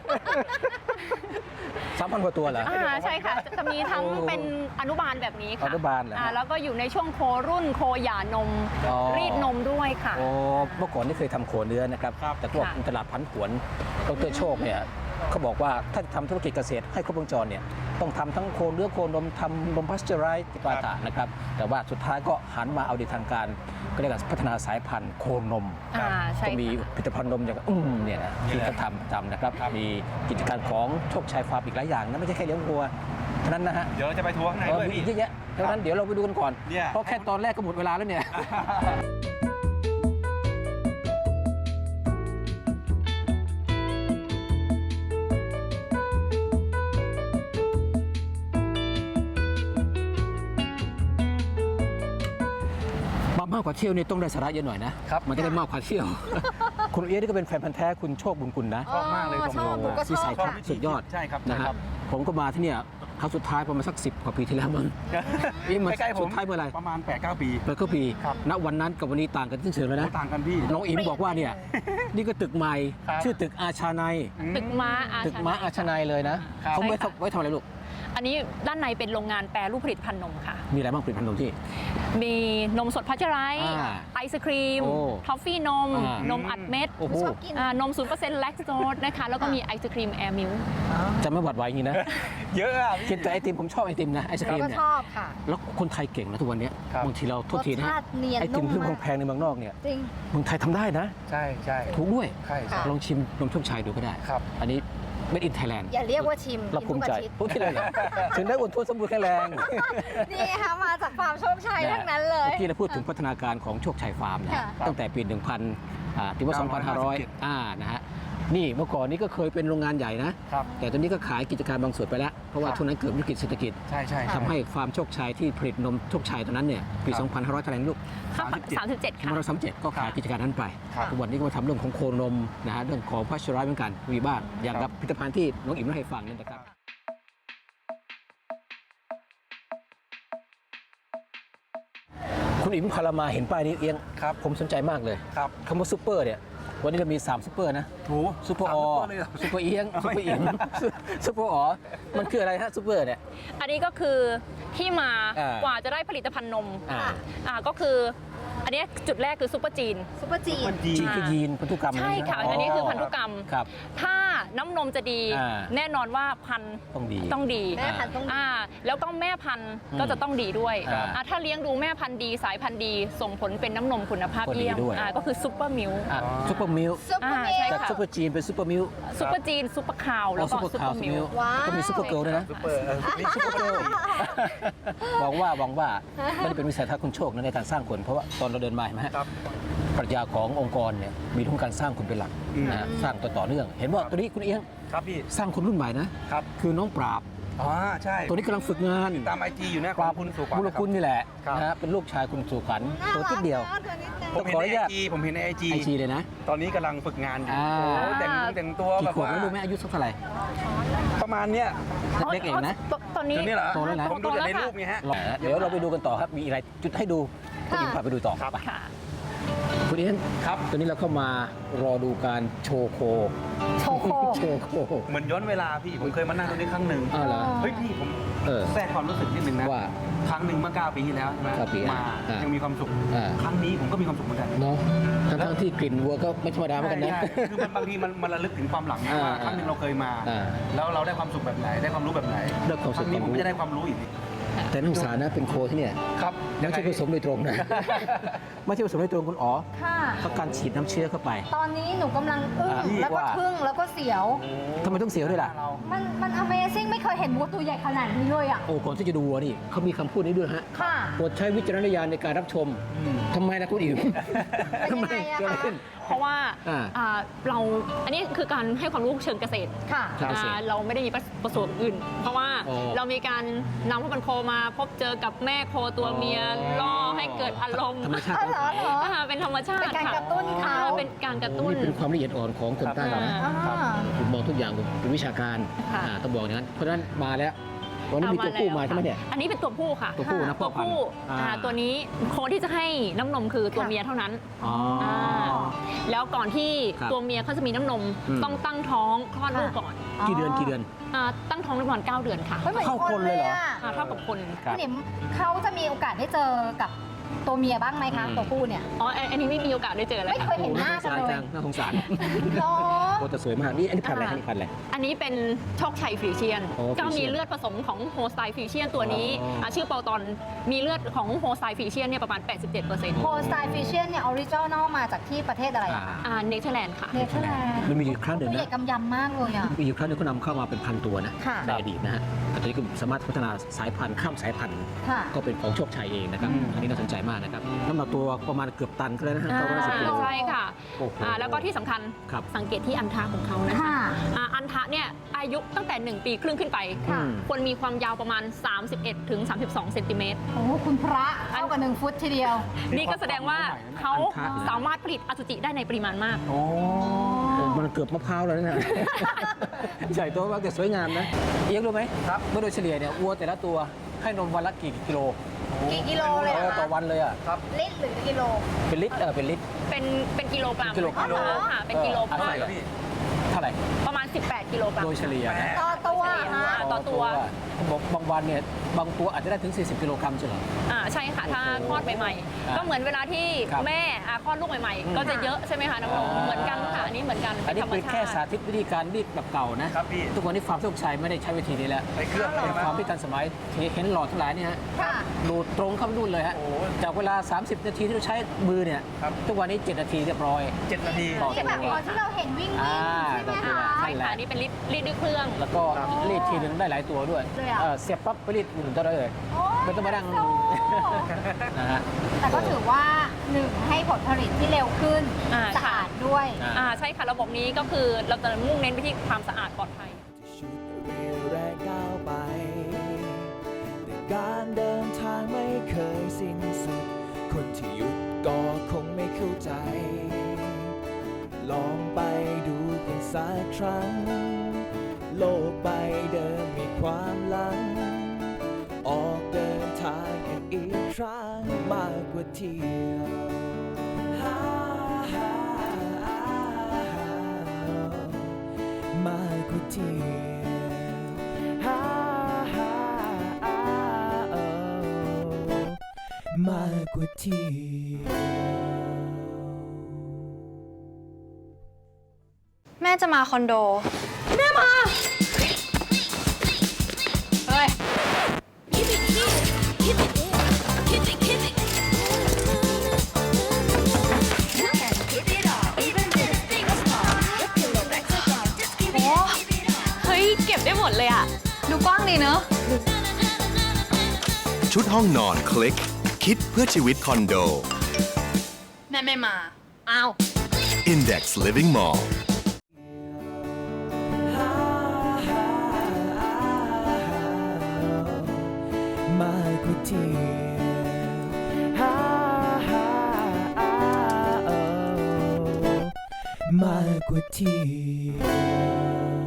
Speaker 3: 3,000 กว่าตัวเหรอ
Speaker 7: ใช่ค่ะ จะมีทั้งเป็นอนุบาลแบบนี้ค่ะ
Speaker 3: อนุบาลเหรอฮะ
Speaker 7: แล้วก็อยู่ในช่วงโครุ่นโคหย่านม
Speaker 3: อ๋อ
Speaker 7: รีดนมด้วยค่ะ
Speaker 3: โอ้เมื่อก่อนนี่เคยทำโคเนื้อนะครับ
Speaker 4: ครับ
Speaker 3: แต่พวก
Speaker 7: ค่ะ
Speaker 3: ตลาดพันผวนดรโชคเนี่ยเขาบอกว่าถ้าจะทำธุรกิจเกษตรให้ครบวงจรเนี่ยต้องทำทั้งโคเนื้อโคนมทำนมพาสเจอไรส์ปาตะนะครับแต่ว่าสุดท้ายก็หันมาเอาดีทางการก็เรียกว่าพัฒนาสายพันธุ์โคนม
Speaker 7: ใช่
Speaker 3: ก็มี
Speaker 7: ค่ะ
Speaker 3: ผลิตภัณฑ์นมอย่างเนี่ยนะที่เขาทำนะครับมีกิจการของโชคชัยฟาร์มอีกหลายอย่างนะไม่ใช่แค่เลี้ยงวัวทนั้นนะฮะ
Speaker 4: เดี๋ยวเราจะไปทัวร์ข้างในด้วย
Speaker 3: มีอี
Speaker 4: พี่
Speaker 3: กเยอะแยะดังนั้นเดี๋ยวเราไปดูกันก่อน
Speaker 4: เนี่ย
Speaker 3: เพราะแค่ตอนแรกก็หมดเวลาแล้วเนี่ย มากกว่าเที่ยวนี่ต้องได้สาระเยอะหน่อยนะครับ มันจะได้มากกว่าเที่ยว คุณเอียนี่ก็เป็นแฟนพันธ์แท้คุณโชคบุญกุลนะ
Speaker 4: ชอบมากเลย
Speaker 5: ชอบหนูก็ช
Speaker 3: วิ
Speaker 5: อบ
Speaker 3: สัยทัศ
Speaker 5: ค่ะ
Speaker 3: น์สุดยอด
Speaker 4: ใช่ครับ
Speaker 3: นะ
Speaker 4: ใช่
Speaker 3: ฮะ
Speaker 4: ครับ
Speaker 3: ผมก็มาที่เนี่ยครั้งสุดท้ายประมาณสัก10 กว่าปีที่แล้วมั้ง นี่มัน
Speaker 4: ใกล้ๆผม
Speaker 3: สุดท้ายเมื่อไหร่
Speaker 4: ประมาณ 8-9 ปี
Speaker 3: เปิดก็ปี
Speaker 4: ครับ
Speaker 3: ณวันนั้นกับวันนี้ต่างกันซึ่งเสือแล้วนะ
Speaker 4: โอ้ต่างกันพี่
Speaker 3: น้องอิมบอกว่าเนี่ย นี่ก็ตึกใหม่
Speaker 4: ครับ
Speaker 3: ชื่อตึกอาชาไนย
Speaker 7: ตึกม้าอา
Speaker 3: ตึกม้าอาชาไนยเลยนะ
Speaker 4: ครับ
Speaker 3: เขาไว้
Speaker 7: ใช่ค่ะ
Speaker 3: ไว้ทำอะไรลูก
Speaker 7: อันนี้ด้านในเป็นโรงงานแปรรูปผลิตภัณฑ์นมค่ะ
Speaker 3: มีอะไรบ้างผลิตภัณฑ์นมที่
Speaker 7: มีนมสดพัชไรส์
Speaker 3: อ่า
Speaker 7: ไอศครีม
Speaker 3: โอ้
Speaker 7: ทอฟฟี่นม
Speaker 3: อ่าน
Speaker 7: มอัดเม็ด
Speaker 3: โอ้โห
Speaker 5: ชอบกิน
Speaker 7: นม 0% แลคโตสนะคะ แล้วก็มีไอศครีมแอร์มิล
Speaker 3: จะไม่หวัดไหวอย่างนี้นะ
Speaker 4: เยอะอ่ะ
Speaker 3: กิ
Speaker 4: พี่
Speaker 3: นแต่ไอติมผมชอบไอติมนะไอศครีม
Speaker 5: ก็
Speaker 3: เนี่ย
Speaker 5: ชอบค่ะ
Speaker 3: แล้วคนไทยเก่งนะทุกวันเนี้ย
Speaker 4: ครับ
Speaker 3: บางทีเราโทษทีนะ
Speaker 5: รสชาติเนียน
Speaker 3: ไอติม
Speaker 5: นุ่ม
Speaker 3: ที่
Speaker 5: มาก
Speaker 3: แพงๆในเมืองนอกเนี่ย
Speaker 5: จริง
Speaker 3: เมืองไทยทำได้นะ
Speaker 4: ใช่ใช่
Speaker 3: ถูกด้วย
Speaker 4: ใช่ใช่
Speaker 3: ลองชิมนมโชคชัยดูก็ได้
Speaker 4: ครับ
Speaker 3: อันนี้ Made in Thailand
Speaker 5: อย่าเรียกว่าชิม
Speaker 3: เราภูมิใจ
Speaker 5: กิน
Speaker 3: พูดที่เลยเหรอถึงได้อ้วนท้วนสมบูรณ์แข็งแรง
Speaker 5: ทุกอาทิตย์นี่ค่ะมาจากฟาร์มโชคชัยทั้งนั้นเลย
Speaker 3: เมื่อกี้เราพูดถึงพัฒนาการของโชคชัยฟาร์มนะ
Speaker 5: ค่ะ
Speaker 3: ตั้งแต่ปีถึงว่า 2,500 นะฮะนี่เมื่อก่อนนี้ก็เคยเป็นโรงงานใหญ่นะ
Speaker 4: ครับ
Speaker 3: แต่ตอนนี้ก็ขายกิจการบางส่วนไปแล้ว เพราะว่าช่วงนั้นเกิดวิกฤตเศรษฐกิจ
Speaker 4: ใช่ใช่
Speaker 3: ทำให้ฟาร์มโชคชัยที่ผลิตนมโชคชัยตอนนั้นเนี่ยปี 2,500 เท่าไหร่นะลูก
Speaker 7: 37 ค่ะ
Speaker 3: 2,537 ก็ขายกิจการนั้นไป
Speaker 4: ครับ
Speaker 3: ทุกวันนี้ก็มาทำเรื่องของโคนมนะฮะเรื่องของพัชร้อยเหมือนกันมีบ้างอย่างกับผลิตภัณฑ์ที่น้องอิ๋มเล่าให้ฟังนี่นะครับ คุณอิ๋มพารามาเห็นป้ายนี้เอียง
Speaker 4: ครับ
Speaker 3: ผมสนใจมากเลย
Speaker 4: ครับ
Speaker 3: คำว่าซูเปอร์เนี่ยวันนี้เรามี3ซูเปอร์นะ
Speaker 4: ถู
Speaker 3: ซูเปอร์ออ
Speaker 4: เลยเหรอ
Speaker 3: ซูเปอร์เอียงซูเปอร์อิ๋มซูเปอร์อ๋อมันคืออะไรฮะซูเปอร์เนี่ย
Speaker 7: อันนี้ก็คือที่มา
Speaker 3: อ่าก
Speaker 7: ว่าจะได้ผลิตภัณฑ์นม
Speaker 3: อ่า
Speaker 7: ก็คือ อันนี้จุดแรกคือซุปเปอร์จีน
Speaker 5: ซุปเปอร์จีน
Speaker 4: มันจี
Speaker 3: จีนคือยีนพันธุกรรม
Speaker 7: ใช่ค่ะ อันนี้คือพันธุกรรม
Speaker 3: ครับ
Speaker 7: ถ้าน้ำนมจะดี
Speaker 3: อ่า
Speaker 7: แน่นอนว่าพันธุ์
Speaker 3: ต้องดี
Speaker 7: ต้องดี
Speaker 5: แม่พันธุ์ต้องดี
Speaker 7: แล้วก็แม่พันธุ์
Speaker 3: อืม
Speaker 7: ก็จะต้องดีด้วย
Speaker 3: อ่า
Speaker 7: ถ้าเลี้ยงดูแม่พันธุ์ดีสายพันธุ์ดี ส่งผลเป็นน้ำนมคุณภาพ
Speaker 3: ก็ดี
Speaker 7: เยี่ยม
Speaker 3: ด้วย
Speaker 7: ก็คือซุปเปอร์มิลค์
Speaker 3: ซูเปอร์มิล
Speaker 5: ซุปเปอร์มิ
Speaker 7: ใช่
Speaker 5: ล
Speaker 3: จาก
Speaker 7: ค่ะ
Speaker 3: ซูเปอร์จีนเป็นซูเปอร์มิล
Speaker 7: ซุปเปอร์จีนซุปเปอร์คาวแล้วก็
Speaker 3: ซูเปอร์
Speaker 7: ซุป
Speaker 3: คา
Speaker 7: เป
Speaker 3: ว
Speaker 7: อร์
Speaker 3: ซู
Speaker 7: มิ
Speaker 3: มิ
Speaker 7: ล
Speaker 3: ล
Speaker 7: ค์
Speaker 5: ว้าว
Speaker 3: ก็มีซูเปอร์เกิร์ลด้วยนะ
Speaker 4: ซุปเปอร์นี่ซุปเปอร์เกิร์ล
Speaker 3: หวังว่ามันเป็นวิสัยทัศน์คุณโชคนะในการสร้างคนเพราะว่าตอนเราเดินมาเห็นไหมฮะ
Speaker 4: ครับ
Speaker 3: ปรัชญาขององค์กรเนี่ยมีทั้งการสร้างคนเป็นหลักนะฮะสร้างต่อเนื่อง เห็นว่าตัวนี้คุณเอียง
Speaker 4: ครับพี่
Speaker 3: สร้างคนรุ่นใหม่นะครับ คือน้องปราบ
Speaker 4: อ๋อใช่
Speaker 3: ตัวนี้กำลังฝึกงาน
Speaker 4: ตามไอจีอยู่นะของคุณสุขวัญ
Speaker 3: บุรคุณนี่แหละ
Speaker 4: ครับ
Speaker 3: นะฮะเป็นลูกชายคุณสุขวัญตัวนิดเดียว
Speaker 4: ผมเห็น
Speaker 3: ขออ
Speaker 4: ใน
Speaker 3: นุ
Speaker 4: ไอ
Speaker 3: ญาต
Speaker 4: จีผมเห็นในไอจี
Speaker 3: ไอจีเลยนะ
Speaker 4: ตอนนี้กำลังฝึกงานอยู่
Speaker 3: อ่า
Speaker 4: โอ้แต่งตัวแบ
Speaker 3: กี่
Speaker 4: บ
Speaker 3: ขวบ
Speaker 4: ว่า
Speaker 3: แล้วรู้ไหมอายุสักเท่าไหร่
Speaker 4: ประมาณเนี้ย
Speaker 3: เล็กๆเองนะ
Speaker 7: ตอนนี้
Speaker 4: จุดนี้เหรอ
Speaker 3: โตแล้วนะ
Speaker 4: ผมดูแต่ในรูปไงฮะ
Speaker 3: เดี๋ยวเราไปดูกันต่อครับ มีอะไรจุดให้ดูคุณอิมพาไปดูต่อ
Speaker 4: ครับ
Speaker 3: ไป
Speaker 7: ค่ะ
Speaker 3: คุณเอียง
Speaker 4: ครับ
Speaker 3: ตอนนี้เราเข้ามารอดูการโชว์โค
Speaker 5: โชโค
Speaker 3: โชว์โค
Speaker 4: เหมือนย้อนเวลาพี่ผมเคยมานั่งตรงนี้ครั้งหนึ่ง
Speaker 3: อ้าวเหรอ
Speaker 4: เฮ้ยพี่ผม
Speaker 3: เออ
Speaker 4: แทรกความรู้สึกนิดนึงนะ
Speaker 3: ว่า
Speaker 4: ครั้งหนึ่งเมื่อ9 ปีที่แล้วใช่ไหม
Speaker 3: 9 ปี
Speaker 4: มา
Speaker 3: อ่ายั
Speaker 4: ยังมีความสุข
Speaker 3: อ่า
Speaker 4: ครั้งนี้ผมก็มีความสุขเหมือนกัน
Speaker 3: เนาะทั้งที่กลิ่นวัวก็ไม่ธรรมดาเหมือนกันนะ
Speaker 4: ใช่คือมันบางทีมันระลึกถึงความหลังนะว่า
Speaker 3: อ่า
Speaker 4: ครั้งหนึ่งเราเคยมา
Speaker 3: อ่า
Speaker 4: แล้วเราได้ความสุขแบบไหนได้ความรู้แบบไหน
Speaker 3: ได้ความสุข
Speaker 4: ครั้งนี้
Speaker 3: ความ
Speaker 4: ผม
Speaker 3: รู้
Speaker 4: ก็จะได้ความรู้อีก
Speaker 3: แต่นักศึกษานะเป็นโคที่เนี่ย
Speaker 4: ครับ
Speaker 3: ไม่ใช่ผสมโดยตรงนะ ไม่ใช่ผสมโดยตรงคุณอ๋อ
Speaker 5: ค่ะ
Speaker 3: เขาการฉีดน้ำเชื้อเข้าไป
Speaker 5: ตอนนี้หนูกำลังอึ้ง
Speaker 3: อ่า
Speaker 5: แล้วก็
Speaker 3: ว่า
Speaker 5: ทึ่งแล้วก็เสียว
Speaker 3: ทำไมต้องเสียวด้วยล่ะ
Speaker 5: มัน Amazing ไม่เคยเห็นวัวตัวใหญ่ขนาดนี้เลยอ่ะ
Speaker 3: โอ้ก่อนที่จะดูวัวนี่เขามีคำพูดนี้ด้วยฮะ
Speaker 5: ค่ะ
Speaker 3: โปรดใช้วิจารณญาณในการรับชมทำไมนะคุณอิ๋ว
Speaker 5: เป็นยังไงอะ
Speaker 3: เกิดอะไร
Speaker 5: คะ
Speaker 3: ขึ้น
Speaker 7: เพราะว่า
Speaker 3: อ่า
Speaker 7: อันนี้คือการให้ความรู้เชิงเกษตร
Speaker 5: ค่ะ
Speaker 3: ใช่
Speaker 7: เราไม่ได้มีประสบอื่น เพราะว่า
Speaker 3: อ๋อ
Speaker 7: เรามีการนำพ่อพันธุ์โคมาพบเจอกับแม่โคตัวเมียล่อให้เกิดอารมณ์
Speaker 3: ธรรมชาติ
Speaker 5: อ๋อเหรอเหรอ
Speaker 7: เป็นธรรมชาติ
Speaker 5: เป็นการ
Speaker 7: ค่
Speaker 5: กระตุ้นเขา
Speaker 7: เป็นการกระ
Speaker 3: โอ้
Speaker 7: ตุ้น
Speaker 3: นี่เป็นความละเอียดอ่อนของคนใต้เรานะ
Speaker 5: อ่า
Speaker 3: ผมมองทุกอย่างเป็นวิชาการ
Speaker 7: ค่ะ
Speaker 3: ต้องบอกอย่างนั้น เพราะฉะนั้นมาแล้ว วันนี้มีตัวผู้มาใช่ไหมเนี่ย
Speaker 7: อันนี้เป็นตัวผู้ค่ะ
Speaker 3: ตัวผู้นะพ่
Speaker 7: ตั
Speaker 3: อ
Speaker 7: ว
Speaker 3: พันธุ์
Speaker 7: ผู้ ตัวนี้โคที่จะให้น้ำนมคือตัวเมียเท่านั้น
Speaker 3: อ๋อ
Speaker 7: แล้วก่อนที่
Speaker 3: ครับ
Speaker 7: ตัวเมียเขาจะมีน้ำนม
Speaker 3: อืม
Speaker 7: ต้องตั้งท้องคลอดลูกก่อน
Speaker 3: กี่เดือนกี่เดือน
Speaker 7: ตั้งท้องได้ประมาณ9 เดือนค่ะ
Speaker 5: ไม่เหมือน
Speaker 3: เข้า
Speaker 5: ค
Speaker 3: คน
Speaker 5: น
Speaker 3: เล
Speaker 5: เลย ย
Speaker 3: เหรอ
Speaker 5: อ่ะ
Speaker 7: เท่ากับคน
Speaker 3: ครับ
Speaker 5: คุณหนิมเขาจะมีโอกาสได้เจอกับตัวเมียบ้างไหมคะ
Speaker 3: อืม
Speaker 5: ตัวผู้เนี่ย
Speaker 7: อันนี้ไม่มีโอกาสได้เจอแล้ว
Speaker 5: ไม่เคยเห็นหน้ากันเลย
Speaker 3: น่าสงสาร
Speaker 5: หรอ
Speaker 3: โอ้แต่สวยมากนี่อันนี้พันธุ์อะไรอันนี้พันธุ์อะไร
Speaker 7: อันนี้เป็นโชคชัยฟรีเชียน
Speaker 3: โอ้
Speaker 7: ก็
Speaker 3: ฟรีเชี
Speaker 7: มี
Speaker 3: ยน
Speaker 7: เลือดผสมของโฮสไตฟรีเชียนตัวนี้
Speaker 3: อ๋อ
Speaker 7: ชื่อเปาตอนมีเลือดของโฮสไตฟรีเชียนเนี่ยประมาณ 87%
Speaker 5: โฮสไตฟิชเชียนเนี่ยออริจินอลมาจากที่ประเทศอะไรอะคะ
Speaker 7: เนเธอร์แลนด์ค่ะ
Speaker 5: เนเธอร์แลนด์
Speaker 3: มันมีอยู่ครั้งหนึ่ง
Speaker 5: ตัวให
Speaker 3: นะ
Speaker 5: ญ่กำยำมากเลยอ่ะ
Speaker 3: มีอยู่ครั้งหนึงเขานำเข้ามาเป็นพันตัวนะ
Speaker 5: ค่ะ
Speaker 3: ในอดีตนะฮะตอนนี้ก็สามารถพัฒนาสายพันธุ์ข้ามสายพันธุ์
Speaker 5: ค่ะ
Speaker 3: ก็เป็นของโชคชัยเองนะครับ อันนี้น่าสนใจมากนะครับน้ำหนักตัวประมาณเกือบตันก็แล้วนะฮะประมาณ10 กิโล
Speaker 7: ใช่ค่ะ
Speaker 3: โอ้โห
Speaker 7: แล้วก็ที่สำคัญ
Speaker 3: ครับ
Speaker 7: สังเกตที่อันทะของเขานะคะ
Speaker 5: ค่ะ
Speaker 7: อันทะเนี่ยอายุตั้งแต่ 1 ปีครึ่งขึ้นไป
Speaker 5: ค่ะ
Speaker 7: ควรมีความยาวประมาณ 31 ถึง 32 เซนติเมตร
Speaker 5: โอ้โหคุณพระเท่ากับ1 ฟุตทีเดียว
Speaker 7: นี่ก็แสดงว่าเขาสามารถผลิตอสุจิได้ในปริมาณมาก
Speaker 3: โอ้มันเกือบมะพร้าวแล้วเนี่ย ใหญ่โตมากแต่สวยงามนะเอียงรู้ไหมครับเมื่อโดยเฉลี่ยเนี่ยวัวแต่ละตัวให้นมวันละกี่กิโล
Speaker 5: กี่กิโลเลยเหรอ
Speaker 3: ต่อ
Speaker 5: คะ
Speaker 3: วันเลยอ่ะ
Speaker 5: ลิตรหรือกิโล
Speaker 3: เป็นลิตรเป็นลิตร
Speaker 7: เป็นกิโลกรัม
Speaker 3: กิโลกรัม
Speaker 7: ค่ะ เป็นกิโลกรัม
Speaker 3: เท่าไหร่
Speaker 7: ประมาณ 18 กิโลกรัม
Speaker 3: โดยเฉลี่ยนะ
Speaker 5: ต่อตัว
Speaker 7: ต่อตัว
Speaker 3: บอกบางวันเนี่ยบางตัวอาจจะได้ถึง 40 กิโลกรัมใช่ไหม
Speaker 7: ใช่ค่ะ ถ้าคลอดใหม่ๆ ก็เหมือนเวลาที่
Speaker 3: ครับ
Speaker 7: แม่คลอดลูกใหม่ๆ ก็จะเยอะใช่ไหมคะน้ำนมเหมือนกันค่ะ อันนี้เหมือนกัน
Speaker 3: อันนี้
Speaker 7: ธรรม
Speaker 3: เป็น
Speaker 7: ชา
Speaker 3: แค่
Speaker 7: ติ
Speaker 3: สาธิตวิธีการรีดแบบเก่านะครับ
Speaker 4: พี่
Speaker 3: ทุกวันนี้ฟาร์มโชคชัยไม่ได้ใช้วิธีนี้แล้ว
Speaker 4: ใส่เครื่อง
Speaker 3: เป็นฟาร์มที่ทันสมัยเห็นหลอดทั้งหลายเนี่ยฮะ
Speaker 5: ค่ะ
Speaker 3: ดูดตรงเข้าไปนู่นเลยฮะ
Speaker 4: โอ้
Speaker 3: จากเวลา 30 นาทีที่เราใช้มือเนี่ย
Speaker 4: ครับ
Speaker 3: ทุกวันนี้ 7 นาทีเรียบร้อย
Speaker 4: 7 นาที
Speaker 3: ต่อ
Speaker 5: ที่แบบตอนที่เราเห็นวิ่ง
Speaker 3: อ่า
Speaker 5: ใช่ไหม
Speaker 3: ต่อตัว
Speaker 5: คะ
Speaker 7: ใช่ค่ะ อันนี้เป็นรีดด้วยเครื่อง
Speaker 3: แล้วก็รีดทีนึงได้หลายตัวด้วย
Speaker 5: เลยอะ
Speaker 3: เสียบปั๊บไปรีดหนึ่งตัวได้เลย
Speaker 5: โอ้ย
Speaker 3: ไม่ต้องมานั่ง
Speaker 5: โซ่
Speaker 3: นะฮะ
Speaker 5: แต่ก็ถือว่าหนึ่งให้ผลผลิตที่เร็วขึ้น สะอาดด้วย
Speaker 7: ใช่ค่ะ ระบบนี้ก็คือเราจะมุ่งเน้นไปที่ความสะอาดปลอดภัย
Speaker 2: ชุดเรียวแรงก้าวไปแต่การเดินทางไม่เคยสิ้นสุด คนที่หยุดก็คงไม่เข้าใจ ลองไปดูกันสักครั้ง โลกใบเดิมมีความหลัง ออกเดินทางกันอีกครั้งมากกว่าเที่ยวมากกว่าเที่ยวมากกว่าเที่ยว
Speaker 8: แม่จะมาคอนโด แม่มา เฮ้ย โอ้เฮ้ย เก็บได้หมดเลยอะดูกว้างดีเนอะ
Speaker 9: ชุดห้องนอนคลิก คิดเพื่อชีวิตคอนโด
Speaker 8: แม่ไม่มา อ้าว
Speaker 9: Index Living Mall
Speaker 2: มากกว่าเที่ยวมากกว่าเที่ยว